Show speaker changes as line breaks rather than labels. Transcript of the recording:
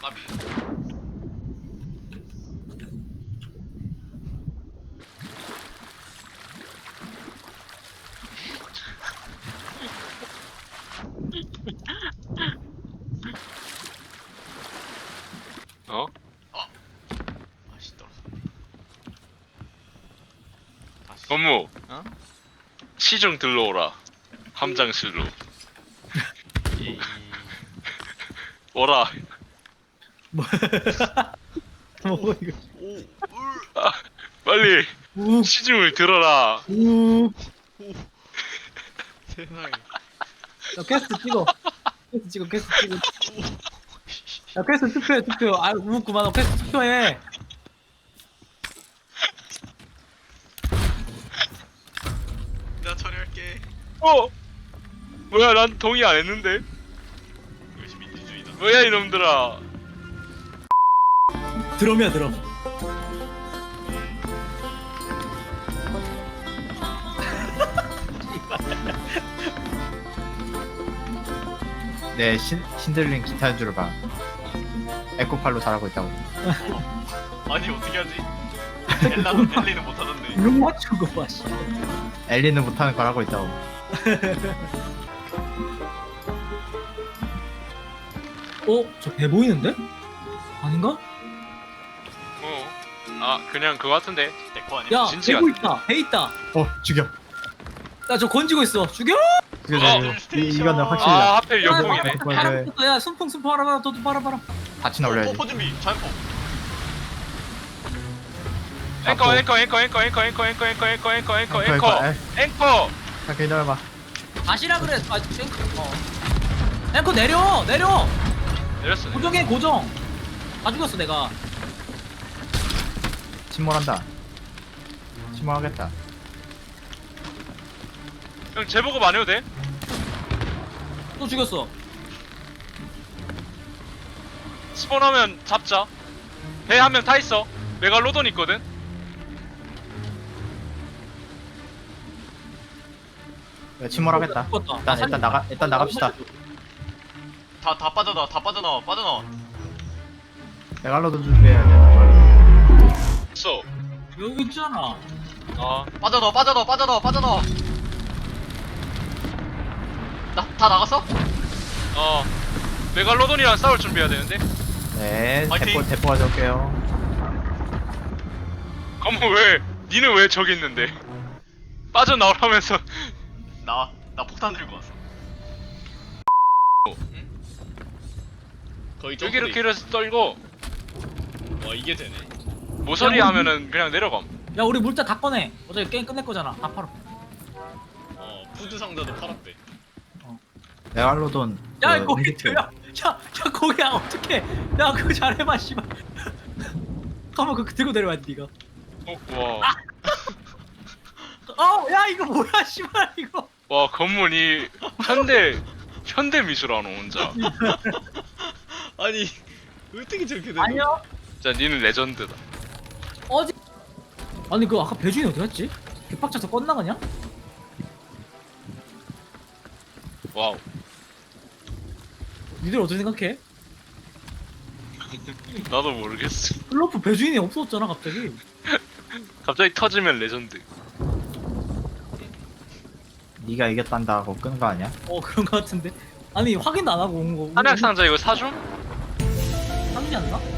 까비.
어?
아씨 떨어져. 다시.
건무
어?
시중 들러오라. 함장실로.
이
오라.
뭐 이거.
오, 울,
아, 빨리
우,
시중을 들어라.
우.
오. 세상에.
야, 퀘스트 찍어. 퀘스트 찍어. 야, 퀘스트 투표해, 투표. 아, 우, 그만. 퀘스트 투표해.
내가 처리할게.
어? 뭐야, 난 동의 안 했는데.
역시 민주주의다.
뭐야 이놈들아.
드럼이야, 드럼.
네, 신들린 기타 연주를 봐. 에코팔로 잘하고 있다고.
아니 어떻게 하지? 엘리는 못하던데.
룩 맞춘 거 봐, 씨.
엘리는 못하는 걸 하고 있다고.
저 배 보이는데? 아닌가?
어. 아, 그냥 그거 같은데.
내거 아니야?
야,
진지
배
같아.
있다. 배 있다.
죽여.
야, 저 건지고 있어. 죽여!
죽여.
스테이션.
이거는 확실히
아, 하필 역공이네.
야, 순풍 봐라. 너도 봐라.
다치나 올려야지.
포 준비. 자연포.
앵커.
에. 잠깐 기다려봐.
다시라 그래. 아, 앵커 내려.
내렸어.
고정해, 고정. 다 죽였어, 내가.
침몰한다. 침몰하겠다.
형 재보급 안 해도 돼?
또 죽였어.
스폰하면 잡자. 배 한 명 타 있어. 메갈로돈 있거든.
야, 침몰하겠다.
죽었다.
일단 나갑시다.
다 빠져나와. 빠져나와.
메갈로돈 준비해야 돼.
있어.
여기 있잖아.
아,
빠져나와. 다 나갔어?
어. 메갈로돈이랑 싸울 준비해야 되는데.
네,
파이팅!
대포 가져올게요.
어머, 왜? 니는 왜 저기 있는데? 빠져나오라면서.
나 폭탄 들고 왔어. 응? 거의
여기 이렇게 이래서 떨고
와 이게 되네.
모서리 하면은 그냥 내려감.
야, 우리 물자 다 꺼내. 어차피 게임 끝낼 거잖아. 다 팔아.
푸드 상자도 팔았대.
메갈로돈.
야,
그
거기
음식들.
야, 거기야 어떡해. 야, 그거 잘해봐, 씨발. 가만 그거 들고 내려와, 니가.
와.
야, 이거 뭐야, 씨발, 이거.
와, 건물이 현대 미술하노 혼자.
아니 어떻게 저렇게 되는?
아니야.
진짜 니는 레전드다.
어디? 아니, 그 아까 배주인 어디 갔지? 개빡쳐서 껐나가냐?
와우.
니들 어떻게 생각해?
나도 모르겠어.
클로프 배주인이 없어졌잖아, 갑자기.
갑자기 터지면 레전드.
네가 이겼단다 하고 끈 거 아니야?
그런 거 같은데. 아니, 확인도 안 하고 온 거.
한약 상자 이거 사줌?
상지 않나?